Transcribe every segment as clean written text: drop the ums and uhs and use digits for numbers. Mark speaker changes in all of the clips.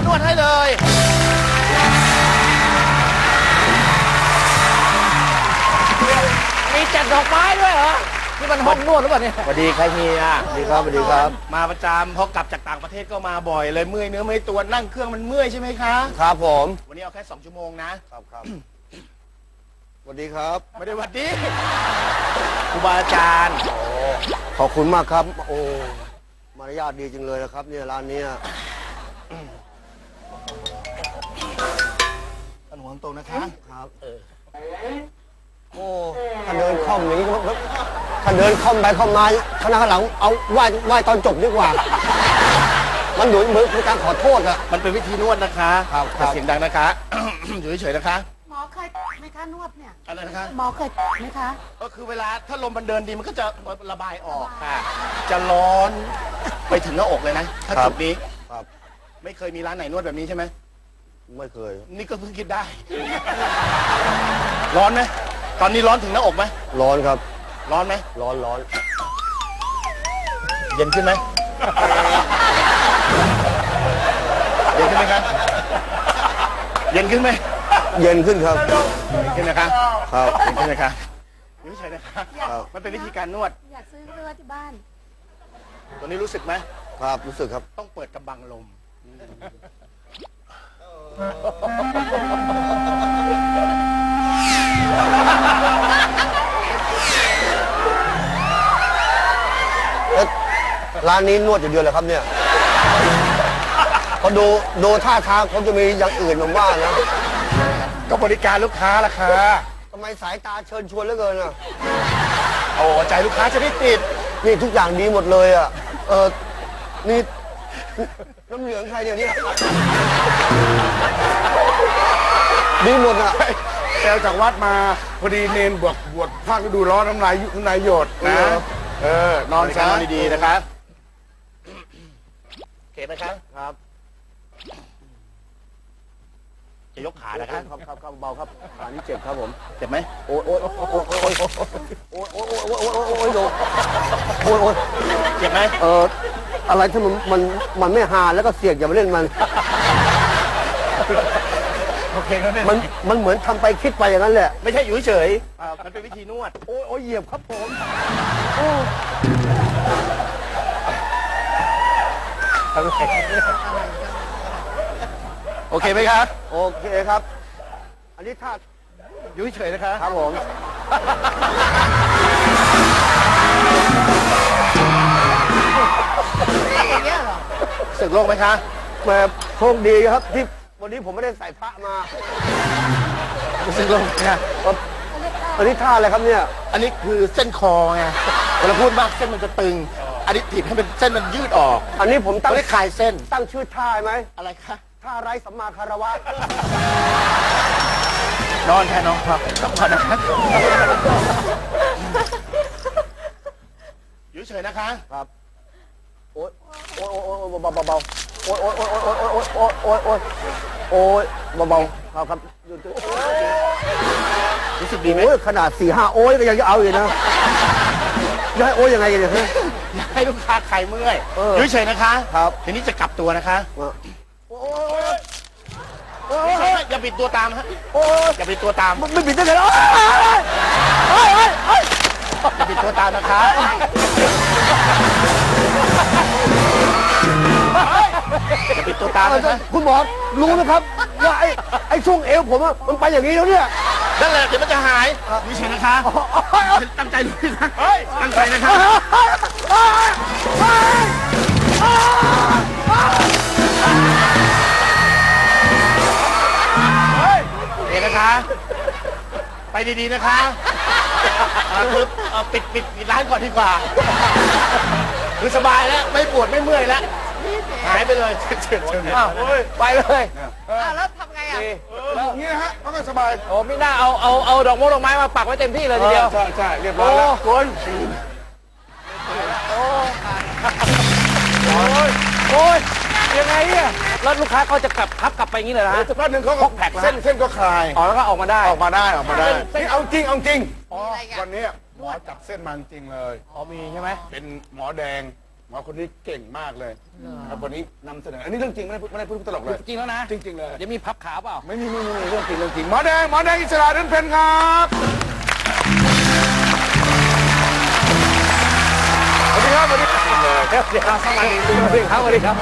Speaker 1: นวดให้เลยมีจัดดอกไม้ด้วยเหรอนี่มันห้องนวดหรือเปล่าเนี่ยสวัสดีครับเฮียสวัสดีครับสวัสดีครับมาประจำพอกลับจากต่างประเทศก็มาบ่อยเลยเมื่อยเนื้อเมื่อยตัวนั่งเครื่องมันเมื่อยใช่ไหมคะ
Speaker 2: ครับผม
Speaker 1: วันนี้เอาแค่2 ชั่วโมงนะครับ
Speaker 2: สวัสดีครับ
Speaker 1: ไม่ได้สวัสดีครูบาอาจารย์
Speaker 2: ขอบคุณมากครับโอ้มารยาทดีจังเลยนะครับเนี่ยร้านนี้
Speaker 1: ท่านหัวตรงนะคะ
Speaker 2: ครับโอ้ถ้าเดินคล่อมอย่างนี้ถ้าเดินคล่อมไปคล่อมมาคณะข้างหลังเอาไหว้ตอนจบดีกว่ามันเหมือนการขอโทษอะ
Speaker 1: มันเป็นวิธีนวดนะคะ
Speaker 2: ครับ
Speaker 1: เสียงดังนะคะ อยู่เฉยๆนะคะ
Speaker 3: หมอเคยไหมคะนวดเนี่ย
Speaker 1: อะไรนะคะ
Speaker 3: หมอเคยไหมคะ
Speaker 1: ก็คือเวลาถ้าลมมันเดินดีมันก็จะระบายออกค่ะจะร้อนไปถึงหน้าอกเลยนะถ้าจุดนี้
Speaker 2: ครับ
Speaker 1: ไม่เคยมีร้านไหนนวดแบบนี้ใช่ไหม
Speaker 2: ไม่เคย
Speaker 1: นี่ก็เพิ่งคิดได้ร้อนไหมตอนนี้ร้อนถึงหน้าอกไหม
Speaker 2: ร้อนครับ
Speaker 1: ร้อนไหม
Speaker 2: ร้อน
Speaker 1: เย็นขึ้นไหมเย็นขึ้นไหมครับเย็นขึ้นไหม
Speaker 2: เย็นขึ้นครับ
Speaker 1: เย็นขึ้นนะคะ
Speaker 2: ครับ
Speaker 1: เย็นขึ้นนะคะไม่ใช่นะคะมันเป็นวิธีการนวด
Speaker 3: อยากซื้อไปไว้ที่บ้าน
Speaker 1: ตัวนี้รู้สึกไหม
Speaker 2: ครับรู้สึกครับ
Speaker 1: ต้องเปิดกระบังลม
Speaker 2: ร้านนี้นวดอยู่เดียวเลยครับเนี่ยพอดูท่าทางเขาจะมีอย่างอื่นผมว่านะ
Speaker 1: ก็บริการลูกค้าล่ะค่ะ
Speaker 2: ทำไมสายตาเชิญชวนเหลือเกินอ่ะ
Speaker 1: โอ้ใจลูกค้าจะไม่ติด
Speaker 2: นี่ทุกอย่างดีหมดเลยอ่ะนี่น้ำเหลืองใครเนี่ยนี่ดีหมดอ่ะ
Speaker 1: แกจากวัดมาพอดีเนนบวชภาคฤดูร้อนน้ำลายหยดนะนอนซะดีๆนะครับเข็ดนะครับ
Speaker 2: ครับ
Speaker 1: จะยกขานะครับ
Speaker 2: เบาครับขานี้เจ็บครับผม
Speaker 1: เจ็บไหม
Speaker 2: โอ้ย
Speaker 1: เจ็บไหม
Speaker 2: อะไรที่มันไม่หาแล้วก็เสี่ยงอย่ามาเล่นมัน
Speaker 1: โอเคครับเนี่ย
Speaker 2: มันเหมือนทำไปคิดไปอย่างนั้นแหละ
Speaker 1: ไม่ใช่อยู่เฉยมันเป็นวิธีนวด
Speaker 2: โอ้ยเหยียบครับผม
Speaker 1: โอเคไหมครับ
Speaker 2: โอเคครับอันนี้ถ้า
Speaker 1: อยู่เฉยนะครับ
Speaker 2: ครับผม
Speaker 1: สึกโลกไหมคะ
Speaker 2: แบบโชคดีครับที่วันนี้ผมไม่ได้ใส่พระมา
Speaker 1: สึกโลกนะ
Speaker 2: อันนี้ท่าอะไรครับเนี่ย
Speaker 1: อันนี้คือเส้นคอไงเวลาพูดมากเส้นมันจะตึงอันนี้ถีบให้เป็นเส้นมันยืดออก
Speaker 2: อันนี้ผมตั้ง
Speaker 1: คลายเส้น
Speaker 2: ตั้งชื่อท่าไหม
Speaker 1: อะไรคะ
Speaker 2: ท่าไร้สัมมาคารวะ
Speaker 1: นอนแค่น้องครับต้องนอนนะครับอยู่เฉยนะคะ
Speaker 2: ครับโอ๊ยเบาโอ๊ยเบาครับ
Speaker 1: รู้สึกดีไหม
Speaker 2: ขนาด4-5โอ๊ยก็ยังจะเอาอยู่นะจะให้โอ๊ยยังไงกันเนี่ย
Speaker 1: ให้ลูกค้าใครเมื่อยอยู่เฉยนะคะ
Speaker 2: ครับ
Speaker 1: ทีนี้จะกลับตัวนะคะอย่าปิดตัวตามฮะอย่าปิดตัวตาม
Speaker 2: ไม่ปิดได้ไง
Speaker 1: อย่าปิดตัวตามนะคะอย่าปิดตัวตามนะ
Speaker 2: คุณหมอรู้นะครับว่าไอ้ช่วงเอวผมมันไปอย่างนี้แล้วเนี่ย
Speaker 1: นั่นแหละเดี๋ยวมันจะหายอยู่เฉยนะคะตั้งใจลุยนะตั้งใจนะคะเดี๋ยวนะคะไปดีๆนะคะคือปิดร้านก่อนดีกว่าคือสบายแล้วไม่ปวดไม่เมื่อยแล้วหายไปเลย
Speaker 2: ไปเลย
Speaker 3: แล้วทำไงอ่ะ
Speaker 1: อย่างนี้นะฮะก็สบาย
Speaker 2: โอ้ไม่น่าเอาดอกไม้มาปักไว้เต็มที่เลยทีเดียว
Speaker 1: ใช่เรียบร้อยแล้วคุณ
Speaker 2: โอ้ยยังไงเนี่ยแล้วลูกค้าเขาจะกลับไปอย่างนี้เลยนะ
Speaker 1: สักพักหนึ่งเขา
Speaker 2: แผลก
Speaker 1: เส้นก็คลาย
Speaker 2: แล้วก็ออกมาได้
Speaker 1: นี่เอาจริงวันนี้หมอจับเส้นมาจริงเลย
Speaker 2: มีใช่ไหม
Speaker 1: เป็นหมอแดงหมอคนนี้เก่งมากเลยครับวันนี้นำเสนออันนี้เรื่องจริงไม่ได้พูดตลกเลย
Speaker 4: จริงแล้วนะ
Speaker 1: จริงๆเลย
Speaker 4: เดี๋ยวมีพับขาเปล่า
Speaker 1: ไม่มีเรื่องจริงหมอแดงอิสระเดินเพนครับสวัสดีครับสวัสดีครับสวัสดีครับสวัสดีครับ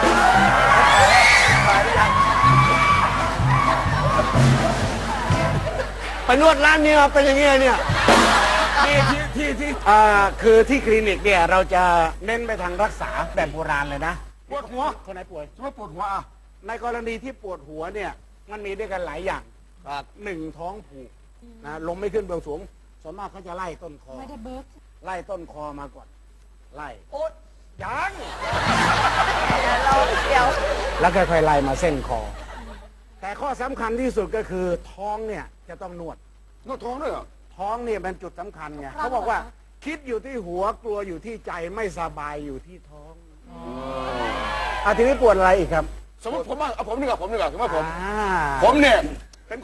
Speaker 2: ไปนวดร้านนี้มาเป็นอย่างนี้เลยเนี่ย
Speaker 1: นี่ที่คือที่คลินิกเนี่ยเราจะเน้นไปทางรักษาแบบโบราณเลยนะปวดหัวคนไหนป่วยไม่ปวดหัวในกรณีที่ปวดหัวเนี่ยมันมีด้วยกันหลายอย่างหนึ่งท้องผูกนะลมไม่ขึ้นเบื้องสูงส่วนมากเขาจะไล่ต้นคอ
Speaker 3: ไม่ได้เบิร์ก
Speaker 1: ไล่ต้นคอมาก่อนไล่โอ๊ยยัง
Speaker 3: เราเดี๋ยว
Speaker 1: แล้วค่อยๆไล่มาเส้นคอ แต่ข้อสำคัญที่สุดก็คือท้องเนี่ยจะต้องนวดท้องด้วยเหรอท้องเนี่ยเป็นจุดสำคัญไงเขาบอกว่าคิดอยู่ที่หัวกลัวอยู่ที่ใจไม่สบายอยู่ที่ท้องทีนี้ปวดอะไรอีกครับ
Speaker 5: สมมติผมเอาผมดีกว่าสมมติว่าผม
Speaker 1: อ่า
Speaker 5: ผมเนี่ยเป็นคน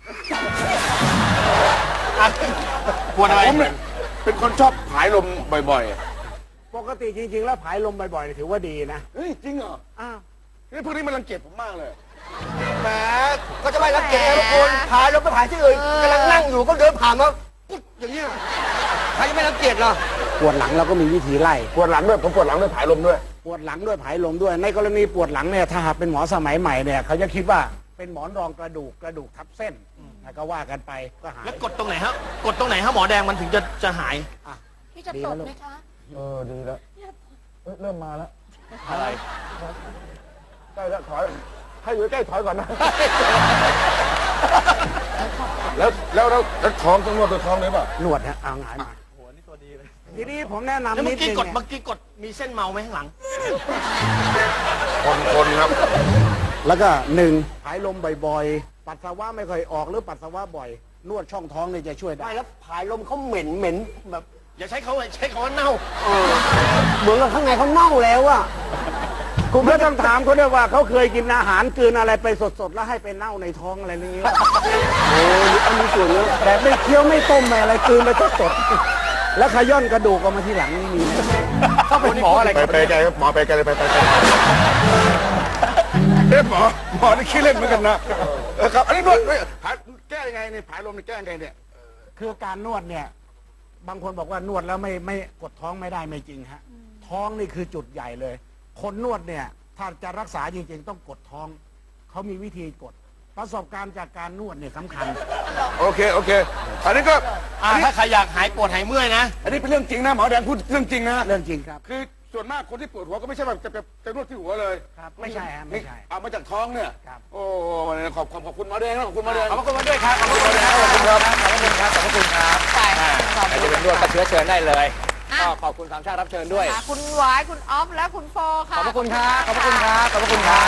Speaker 1: ปวดอะไร
Speaker 5: ผมเนี่ยเป็นคนชอบผายลมบ่อย
Speaker 1: ปกติจริงๆแล้วผายลมบ่อยๆถือว่าดีนะ
Speaker 5: ๆเฮ้ยจริงเหรอ
Speaker 1: อ้าว
Speaker 5: นี่พวกนี้มันรังเกียจผมมากเลย
Speaker 2: แหมก็จะไม่รังเกียจทุกคนผ่านรถไปผ่านที่อื่นกำลังนั่งอยู่ก็เดินผ่านมาปุ๊บอย่างนี้ใครจะไม่รังเกียจล่ะ
Speaker 1: ปวดหลังเราก็มีวิธีไล่
Speaker 5: ปวดหลังด้วยผมปวดหลังด้วยผายลมด้วย
Speaker 1: ปวดหลังด้วยผายลมด้วย ในกรณีปวดหลังเนี่ยถ้าหากเป็นหมอสมัยใหม่เนี่ยเขาจะคิดว่าเป็นหมอนรองกระดูกทับเส้นก็ว่ากันไปก็หาย
Speaker 4: แล้วกดตรงไหนฮะกดตรงไหนฮะหมอแดงมันถึงจะหาย
Speaker 3: พี่จะตบไหมคะ
Speaker 5: ดีแล้วเริ่มมาแล้ว
Speaker 4: อะไร
Speaker 5: ใกล้แล้วถอยให้อยู่ใกล้ถอยก่อนนะ แล้วท้องต้องนวดตัวท้องเลยป่ะ
Speaker 1: นวดฮะเอาหงายมาทีนี้ผมแนะนำ
Speaker 4: แล้ว
Speaker 1: นิ
Speaker 4: เมื่
Speaker 1: ด
Speaker 4: อกี้
Speaker 1: นึง
Speaker 4: กด
Speaker 1: เนี่ย
Speaker 4: เมื่อกี้กดมีเส้นเมาไหมข้างหลัง
Speaker 5: คนครับ
Speaker 1: แล้วก็หนึ่งผายลมบ่อยๆ ปัสสาวะไม่ค่อยออกหรือปัสสาวะบ่อย นวดช่องท้องเนี่ยจะช่วยได้
Speaker 2: ไม่แล้วผายลมเขาเหม็นแบบ
Speaker 4: อย่าใช้เขาใช้คำว่าเน่า
Speaker 2: เหมือนกับข้างในเขาเน่าแล้วอะ
Speaker 1: คุณก็ต้องถามเขาด้วยว่าเขาเคยกินอาหารกลืนอะไรไปสดๆ แล้วให้ไปเน่าในท้องอะไรนี้
Speaker 2: โอ้ยอันนี้ส่วนเยอะ
Speaker 1: แต่ไม่เคี้ยวไม่ต้มไม่อะไรกลืนไปสดๆ แล้วขย้อนกระดูกออกมาทีหลังนี่มีไหม
Speaker 4: เขาเป็นหมออะไร
Speaker 5: ไปไกลครับหมอไปไกลเลยไปหมอนี่ขี้เล่นเหมือนกันนะครับอันนี้นวดแก้ยังไงเนี่ยผายลมนี่แก้ยังไงเนี่ย
Speaker 1: คือการนวดเนี่ยบางคนบอกว่านวดแล้วไม่กดท้องไม่ได้ไม่จริงฮะท้องนี่คือจุดใหญ่เลย คนนวดเนี่ยถ้าจะรักษาจริงๆต้องกดท้องเขามีวิธีกดประสบการณ์จากการนวดเนี่ยสำคัญ
Speaker 5: โอเคอันนี้ก็
Speaker 4: ถ้าใครอยากหายปวดหายเมื่อยนะ
Speaker 5: อันนี้เป็นเรื่องจริงนะหมอแดงพูดเรื่องจริงนะ
Speaker 1: เรื่องจริงครับ
Speaker 5: คือส่วนมากคนที่ปวดหัวก็ไม่ใช่แบบจะนวดที่หัวเลย
Speaker 1: ครับไม่ใช่ฮะไม่ใช่
Speaker 5: เอามาจากท้องเนี่ย
Speaker 1: ครับ
Speaker 5: โอ้ขอบคุณหมอแดงนะขอบคุณหมอแดง
Speaker 4: ขอบคุณมาด้วยครับ ขอบคุณครับ ขอบคุณครับ ขอบคุณครับ ขอบคุณครับ
Speaker 3: ใช่ขอบ
Speaker 4: ใคร
Speaker 3: คุ
Speaker 4: จะ
Speaker 3: ณ
Speaker 4: เป็นนวดก็เชื้อเชิญได้เลย
Speaker 3: อ่ะ
Speaker 4: ก็ขอบคุณสามชาติรับเชิญด้วย
Speaker 3: คุณหวายคุณออฟและคุณโฟค่ะ
Speaker 4: ขอบพระคุณครับ ขอบพระคุณครับ ขอบพระคุณครับ